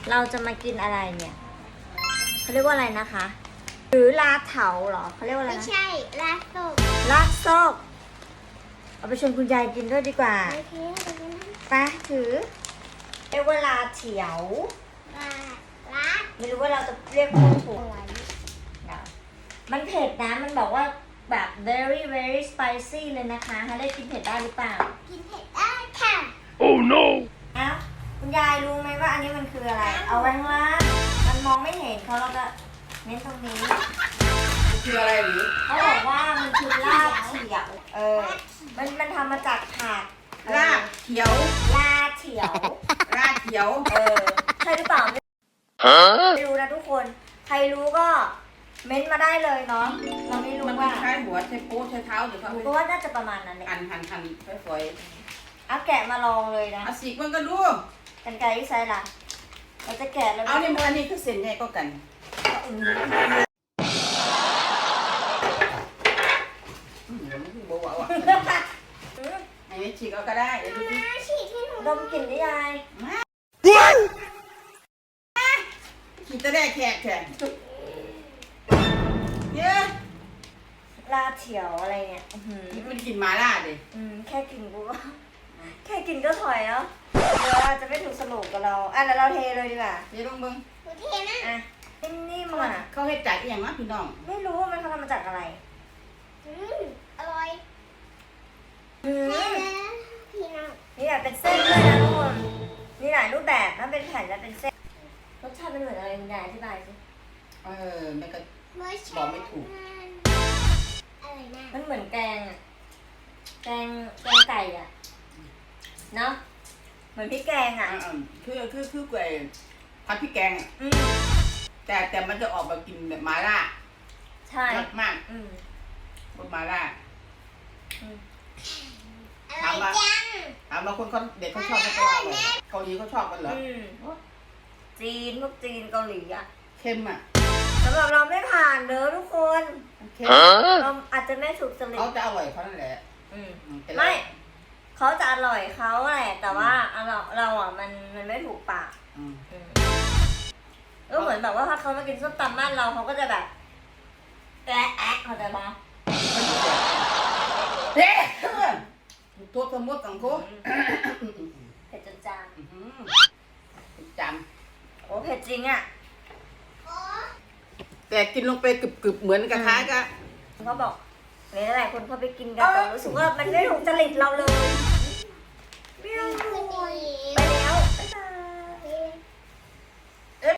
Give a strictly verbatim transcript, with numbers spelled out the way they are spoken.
เราจะมากินอะไรเนี่ยเขาเรียกว่าอะไรนะคะ หรือลาเถาเหรอเขาเรียกว่าอะไรไม่นะใช่ลาโตกลาซอกเอาไปชวนคุณยายกินด้วยดีกว่าโอเคเดี๋ยวนะไปถือเรียกว่าลาเถียวลาลาไม่รู้ว่าเราจะเรียกคนถูกอะไรมันเผ็ดนะมันบอกว่าแบบ very very spicy เลยนะคะให้ได้กินเผ็ดได้หรือเปล่ากินเผ็ดได้ค่ะ Oh no! อ้าวคุณยายรู้ไหมว่าอันนี้มันคืออะไร เอาไว้ข้างล่างมันมองไม่เห็นเขาเราจะเน้นตรงนี้มันคืออะไรหรือเขาบอกว่ามันคือลาบเถียว เออ มันมันทำมาจากผักเออรากเขียวลาเถียวรากเขียวเออ ใช่หรือเปล่าไม่ Huh? รู้นะทุกคน ใครรู้ก็เม้นต์มาได้เลยเนาะ เราไม่รู้มันว่าคล้ายๆหัวใช้โป๊ใช้เท้าเดี๋ยวเขาหนูไปก็ว่าน่าจะประมาณนั้นเลยหั่นหั่นหั่นฝอยเอาแกะมาลองเลยนะๆเอาสีกมันก็ดูกันไกรที่ใช้ล่ะ เราจะแกะแล้วเอาเนี่ยมันอันนี้คือเส้นใหญ่ก็กันอืมอืมมันคือบัวอ่ะอืมอันนี้ฉีกเอาก็ได้เดี๋ยวดูสิมาฉีดให้หนูดมกลิ่นได้ยาย What? ฉีกตะแรกแขกแขกเยอะลาเถียวอะไรเนี่ยอื้อหือมันกินหมาล่าดิอืมแค่กินกูก็ แค่กินก็ถอยแล้วเดี๋ยวเราจะไม่ถูกสรุปกับเรา อ่ะแล้วเราเทเลยดีกว่าเดี๋ยวลองเบิ่งหนูเทนะอ่ะนิ่มๆอ่ะเขาให้จ่ายอีกอย่างวะพี่น้องไม่รู้ว่ามันเขาทำมาจากอะไรอืมอร่อยอืแม่มนะพี่น้องนี่แบบเป็นเส้นด้วยนะทุกคน มีหลายรูปแบบนะเป็นแผ่นและเป็นเส้น รสชาติเป็นเหมือนอะไรคุณยายอธิบายสิเออแม่ก็เมื่อเช้าบอกไม่ถูกอะไรนะมันเหมือนแกงอะแกงแกงไก่อ่ะ เนาะ เหมือนพริกแกงอ่ะอ่าๆคือคือคือก๋วยผัดพริกแกงอะอืมแต่แต่มันจะออกมากินแบบหมาล่าใช่มากมากอืมรสหมาล่าอืมอร่อยจังถามบางคนเขาเด็กเขาชอบไม่ก็ว่าเลยเกาหลีเขาชอบกันเหรออืมจีนพวกจีนเกาหลีอ่ะเค็มอ่ะสำหรับเราไม่ผ่านเด้อทุกคนเค็ม Huh? เราอาจจะไม่ถูกจริตเขาจะอร่อยเขานั่นแหละอืมอืแต่เราไม่ เขาจะอร่อยเขาแหละ แต่ว่าเราเราอ่ะมันมันไม่ถูกปากอืมอืมก็เหมือนแบบว่าถ้าเขามากินส้มตำบ้านเราเขาก็จะแบบแอะแอะเข้าใจปะเฮ้ยตัวสมมติของเขาเผ็ดจนจางอื้อหือจโอ้เผ็ดจริงอ่ะโอ้ำแต่กินลงไปกรึบๆเหมือนกับคล้ายๆกับเขาบอกหลายๆคนเขาไปกินกันแต่รู้สึกว่ามันไม่ถูกจริตเราเลย